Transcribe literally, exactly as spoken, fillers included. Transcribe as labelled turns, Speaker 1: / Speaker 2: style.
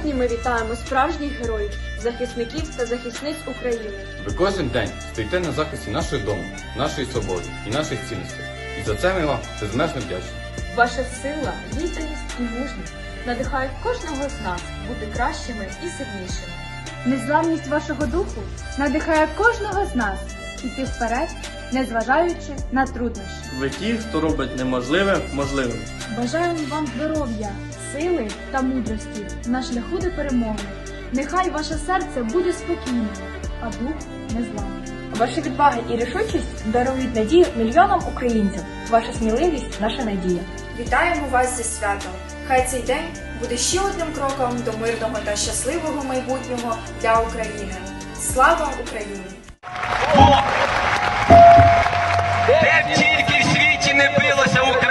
Speaker 1: Сьогодні ми вітаємо справжніх героїв, захисників та захисниць України.
Speaker 2: Ви кожен день стоїте на захисті нашого дому, нашої свободи і наших цінностей. І за це ми вам безмежно вдячні.
Speaker 1: Ваша сила, відданість і мужність надихають кожного з нас бути кращими і сильнішими.
Speaker 3: Незламність вашого духу надихає кожного з нас іти вперед, незважаючи на труднощі.
Speaker 4: Ви ті, хто робить неможливе можливим.
Speaker 3: Бажаємо вам здоров'я, сили та мудрості на шляху до перемоги. Нехай ваше серце буде спокійним, а дух незламним.
Speaker 5: Ваша відвага і рішучість дарують надію мільйонам українців. Ваша сміливість – наша надія.
Speaker 6: Вітаємо вас зі святом! Хай цей день буде ще одним кроком до мирного та щасливого майбутнього для України. Слава Україні!
Speaker 7: Де б тільки в світі не билося Україна!